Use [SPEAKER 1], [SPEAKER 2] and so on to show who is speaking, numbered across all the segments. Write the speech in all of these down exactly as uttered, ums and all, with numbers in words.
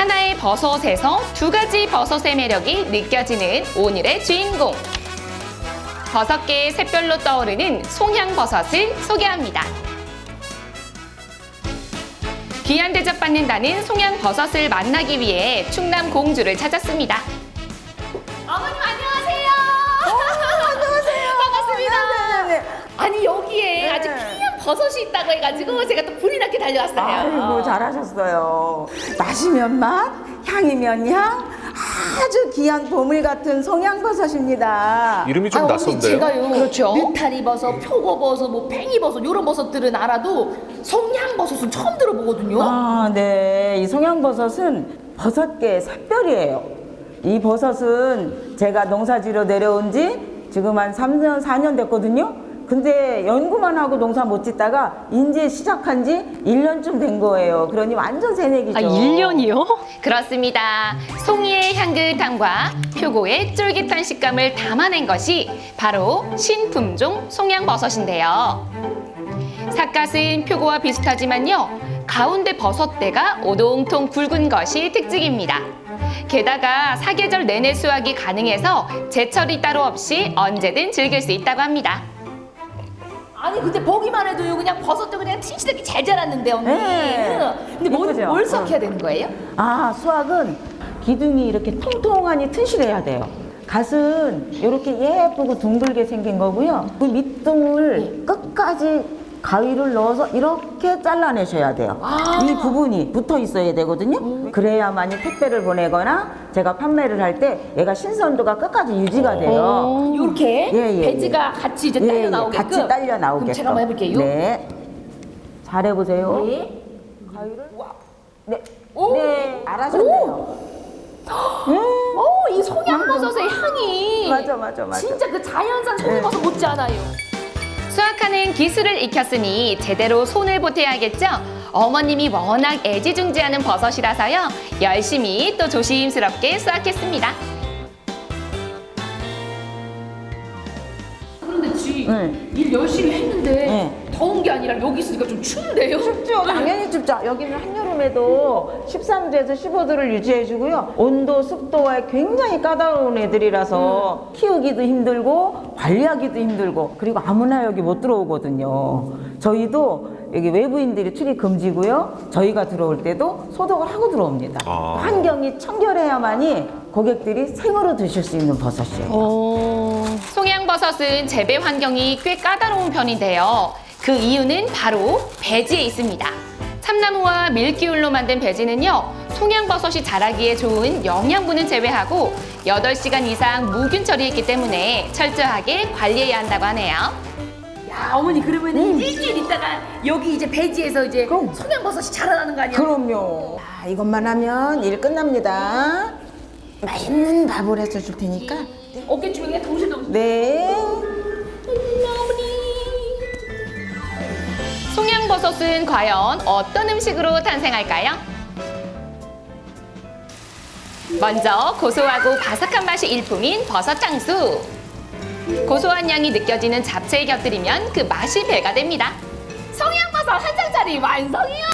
[SPEAKER 1] 하나의 버섯에서 두 가지 버섯의 매력이 느껴지는 오늘의 주인공. 버섯계의 샛별로 떠오르는 송양버섯을 소개합니다. 귀한 대접받는다는 송양버섯을 만나기 위해 충남 공주를 찾았습니다. 어머님 안녕하세요.
[SPEAKER 2] 어, 안녕하세요.
[SPEAKER 1] 반갑습니다.
[SPEAKER 2] 네네네.
[SPEAKER 1] 아니 여기에
[SPEAKER 2] 네.
[SPEAKER 1] 아주 귀한 버섯이 있다고 해가지고 제가 또 불이 나게 달려왔어요.
[SPEAKER 2] 아이고 잘하셨어요. 맛이면 맛, 향이면 향, 아주 귀한 보물 같은 송양버섯입니다.
[SPEAKER 3] 이름이 좀
[SPEAKER 1] 아, 언니,
[SPEAKER 3] 낯선데요?
[SPEAKER 1] 제가요.
[SPEAKER 2] 그렇죠.
[SPEAKER 1] 느타리 버섯, 표고버섯, 뭐 팽이버섯 이런 버섯들은 알아도 송양버섯은 처음 들어보거든요.
[SPEAKER 2] 아, 네. 이 송양버섯은 버섯계의 샛별이에요. 이 버섯은 제가 농사지러 내려온 지 지금 한 삼 년, 사 년 됐거든요. 근데 연구만 하고 농사 못 짓다가 이제 시작한 지 일 년쯤 된 거예요. 그러니 완전 새내기죠.
[SPEAKER 4] 아, 일 년이요?
[SPEAKER 1] 그렇습니다. 송이의 향긋함과 표고의 쫄깃한 식감을 담아낸 것이 바로 신품종 송양버섯인데요. 삿갓은 표고와 비슷하지만요. 가운데 버섯대가 오동통 굵은 것이 특징입니다. 게다가 사계절 내내 수확이 가능해서 제철이 따로 없이 언제든 즐길 수 있다고 합니다. 아니 근데 보기만 해도요 그냥 버섯도 그냥 튼실하게 잘 자랐는데 언니.
[SPEAKER 2] 네.
[SPEAKER 1] 근데 뭘,
[SPEAKER 2] 예쁘죠?
[SPEAKER 1] 뭘 수확해야 되는 거예요?
[SPEAKER 2] 아, 수확은 기둥이 이렇게 통통하니 튼실해야 돼요. 갓은 이렇게 예쁘고 둥글게 생긴 거고요. 그 밑둥을 끝까지 가위를 넣어서 이렇게 잘라내셔야 돼요.
[SPEAKER 1] 아.
[SPEAKER 2] 이 부분이 붙어 있어야 되거든요. 그래야만이 택배를 보내거나 제가 판매를 할 때 얘가 신선도가 끝까지 유지가 돼요.
[SPEAKER 1] 이렇게
[SPEAKER 2] 예, 예,
[SPEAKER 1] 배지가 같이 이제
[SPEAKER 2] 예,
[SPEAKER 1] 딸려
[SPEAKER 2] 예,
[SPEAKER 1] 나오게끔.
[SPEAKER 2] 같이 딸려 나오게끔.
[SPEAKER 1] 그럼 제가 한번 해볼게요.
[SPEAKER 2] 네. 잘해보세요.
[SPEAKER 1] 네.
[SPEAKER 2] 가위를.
[SPEAKER 1] 와.
[SPEAKER 2] 네.
[SPEAKER 1] 오.
[SPEAKER 2] 네. 알아셨네요.
[SPEAKER 1] 오, 이 송양버섯의 향이
[SPEAKER 2] 맞아, 맞아, 맞아.
[SPEAKER 1] 진짜 그 자연산 송양버섯 못지않아요. 수확하는 기술을 익혔으니 제대로 손을 보태야겠죠? 어머님이 워낙 애지중지하는 버섯이라서요. 열심히 또 조심스럽게 수확했습니다. 그런데 지,
[SPEAKER 2] 네.
[SPEAKER 1] 일 열심히 했는데
[SPEAKER 2] 네.
[SPEAKER 1] 더운 게 아니라 여기 있으니까 좀 추운데요?
[SPEAKER 2] 춥죠. 당연히 춥죠. 여기는 한여름에도 십삼 도에서 십오 도를 유지해주고요. 온도, 습도가 굉장히 까다로운 애들이라서
[SPEAKER 1] 음.
[SPEAKER 2] 키우기도 힘들고 관리하기도 힘들고 그리고 아무나 여기 못 들어오거든요. 저희도 여기 외부인들이 출입 금지고요. 저희가 들어올 때도 소독을 하고 들어옵니다.
[SPEAKER 3] 아.
[SPEAKER 2] 환경이 청결해야만이 고객들이 생으로 드실 수 있는 버섯이에요.
[SPEAKER 4] 어...
[SPEAKER 1] 송양버섯은 재배 환경이 꽤 까다로운 편인데요. 그 이유는 바로 배지에 있습니다. 참나무와 밀기울로 만든 배지는요, 송양버섯이 자라기에 좋은 영양분은 제외하고 여덟 시간 이상 무균 처리했기 때문에 철저하게 관리해야 한다고 하네요. 야, 어머니 그러면 은 일주일 있다가 여기 이제 배지에서 이제
[SPEAKER 2] 그럼.
[SPEAKER 1] 송양버섯이 자라나는 거 아니야?
[SPEAKER 2] 그럼요. 아, 이것만 하면 일 끝납니다. 맛있는 밥을 해서 줄 테니까.
[SPEAKER 1] 어깨춤이 동실동실.
[SPEAKER 2] 네.
[SPEAKER 1] 송양버섯은 과연 어떤 음식으로 탄생할까요? 먼저 고소하고 바삭한 맛이 일품인 버섯 장수. 고소한 향이 느껴지는 잡채에 곁들이면 그 맛이 배가 됩니다. 송양버섯 한 장짜리 완성이요!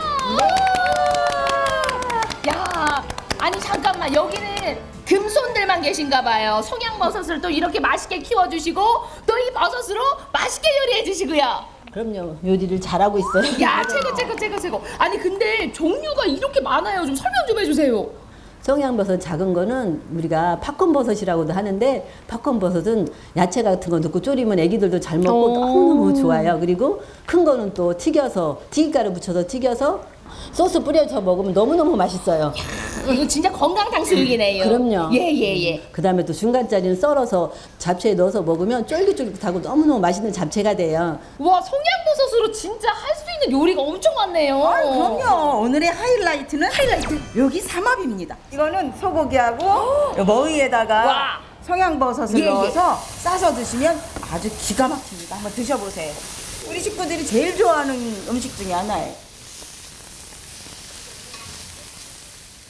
[SPEAKER 1] 야, 아니 잠깐만 여기는 금손들만 계신가 봐요. 송양버섯을 또 이렇게 맛있게 키워주시고 또 이 버섯으로 맛있게 요리해 주시고요.
[SPEAKER 5] 그럼요. 요리를 잘하고 있어요.
[SPEAKER 1] 야, 최고 최고 최고 최고. 아니 근데 종류가 이렇게 많아요. 좀 설명 좀 해주세요.
[SPEAKER 5] 성양버섯 작은 거는 우리가 팝콘버섯이라고도 하는데 팝콘버섯은 야채 같은 거 넣고 졸이면 애기들도 잘 먹고
[SPEAKER 4] 오.
[SPEAKER 5] 너무너무 좋아요. 그리고 큰 거는 또 튀겨서 튀김가루 붙여서 튀겨서 소스 뿌려서 먹으면 너무너무 맛있어요.
[SPEAKER 1] 이거 진짜 건강 탕수육이네요.
[SPEAKER 5] 그럼요.
[SPEAKER 1] 예예 예.
[SPEAKER 5] 그 다음에 또 중간짜리는 썰어서 잡채에 넣어서 먹으면 쫄깃쫄깃하고 너무너무 맛있는 잡채가 돼요.
[SPEAKER 1] 와, 송양버섯으로 진짜 할 수 있는 요리가 엄청 많네요.
[SPEAKER 2] 아, 그럼요. 오늘의 하이라이트는
[SPEAKER 1] 하이라이트.
[SPEAKER 2] 여기 삼합입니다. 이거는 소고기하고 머위에다가
[SPEAKER 1] 와.
[SPEAKER 2] 성양버섯을
[SPEAKER 1] 예, 예.
[SPEAKER 2] 넣어서 싸서 드시면 아주 기가 막힙니다. 한번 드셔보세요. 우리 식구들이 제일 좋아하는 음식 중에 하나예요.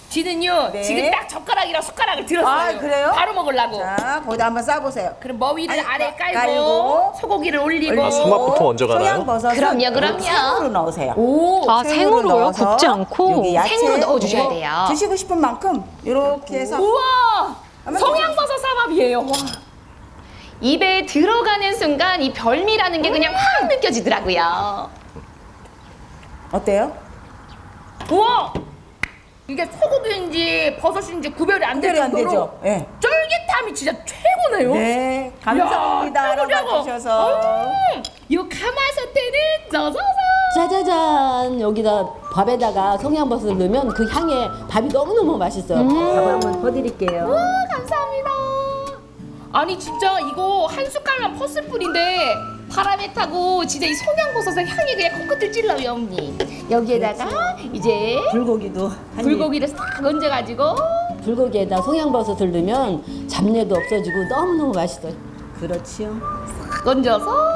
[SPEAKER 1] 지는요
[SPEAKER 2] 네.
[SPEAKER 1] 지금 딱 젓가락이랑 숟가락을 들었어요.
[SPEAKER 2] 아, 그래요?
[SPEAKER 1] 바로 먹으려고.
[SPEAKER 2] 자, 거기다 한번 싸보세요.
[SPEAKER 1] 그럼 머위를
[SPEAKER 2] 아니,
[SPEAKER 1] 아래 깔고,
[SPEAKER 2] 깔고,
[SPEAKER 1] 소고기를 올리고.
[SPEAKER 2] 올리고,
[SPEAKER 3] 손맛부터 먼저 가나요?
[SPEAKER 2] 청양버섯은
[SPEAKER 1] 그럼요, 그럼요.
[SPEAKER 2] 생으로 넣으세요.
[SPEAKER 1] 오,
[SPEAKER 4] 아, 생으로요?
[SPEAKER 2] 넣어서
[SPEAKER 4] 굽지 않고?
[SPEAKER 2] 여기 야채
[SPEAKER 1] 생으로 넣어주셔야
[SPEAKER 2] 이거
[SPEAKER 1] 돼요.
[SPEAKER 2] 드시고 싶은 만큼 이렇게 해서
[SPEAKER 1] 우와,
[SPEAKER 2] 한번
[SPEAKER 1] 성양버섯 삼합이에요. 와. 입에 들어가는 순간 이 별미라는 게 그냥 확 느껴지더라고요.
[SPEAKER 2] 어때요?
[SPEAKER 1] 우와, 이게 소고기인지 버섯인지 구별이 안 될
[SPEAKER 2] 구별이 안
[SPEAKER 1] 정도로
[SPEAKER 2] 되죠? 예.
[SPEAKER 1] 쫄깃함이 진짜 최고네요.
[SPEAKER 2] 네, 감사합니다.
[SPEAKER 1] 야,
[SPEAKER 2] 알아봐
[SPEAKER 1] 최고,
[SPEAKER 2] 주셔서.
[SPEAKER 1] 음, 이 가마솥에는 쪄서서.
[SPEAKER 5] 짜자잔 여기다 밥에다가 송양버섯을 넣으면 그 향에 밥이 너무너무 맛있어요. 밥을 한번 퍼드릴게요.
[SPEAKER 1] 감사합니다. 아니 진짜 이거 한 숟갈만 퍼쓸 뿐인데 바람에 타고 진짜 이 송양버섯의 향이 그냥 코끝을 찔러요, 언니. 여기에다가 이제
[SPEAKER 5] 불고기도 한 입.
[SPEAKER 1] 불고기를 싹 얹어가지고
[SPEAKER 5] 불고기에다 송양버섯을 넣으면 잡내도 없어지고 너무너무 맛있어요. 그렇지요.
[SPEAKER 1] 싹 얹어서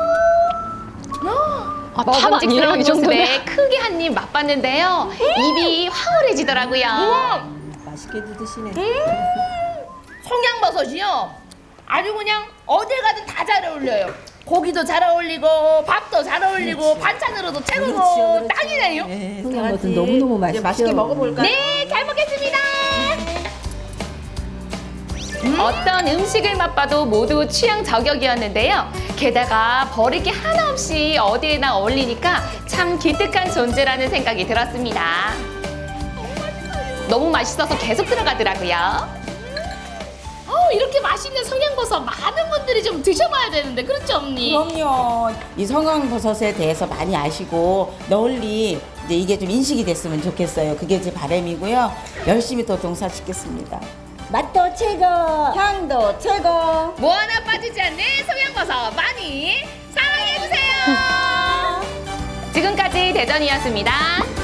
[SPEAKER 4] 아, 탑 아니에요?
[SPEAKER 1] 먹음직스러운
[SPEAKER 4] 이 정도면?
[SPEAKER 1] 모습에 크게 한 입 맛봤는데요. 입이 황홀해지더라고요.
[SPEAKER 5] 맛있게도 드시네.
[SPEAKER 1] 송양버섯이요. 아주 그냥 어딜 가든 다 잘 어울려요. 고기도 잘 어울리고 밥도 잘 어울리고 반찬으로도 최고고
[SPEAKER 5] 그렇죠, 그렇죠.
[SPEAKER 1] 딱이네요.
[SPEAKER 5] 네, 송양버섯 너무너무 맛있죠.
[SPEAKER 2] 이제 맛있게 먹어볼까요?
[SPEAKER 1] 네, 잘 먹겠습니다. 음. 어떤 음식을 맛봐도 모두 취향 저격이었는데요. 게다가 버릴 게 하나 없이 어디에나 어울리니까 참 기특한 존재라는 생각이 들었습니다. 너무 맛있어서 계속 들어가더라고요. 어, 이렇게 맛있는 성양버섯 많은 분들이 좀 드셔봐야 되는데 그렇죠, 언니?
[SPEAKER 2] 그럼요. 이 성황버섯에 대해서 많이 아시고 널리 이제 이게 좀 인식이 됐으면 좋겠어요. 그게 제 바람이고요. 열심히 또 동사짓겠습니다. 맛도 최고, 향도 최고.
[SPEAKER 1] 뭐 하나 빠지지 않는 성양버섯 많이 사랑해주세요. 지금까지 대전이었습니다.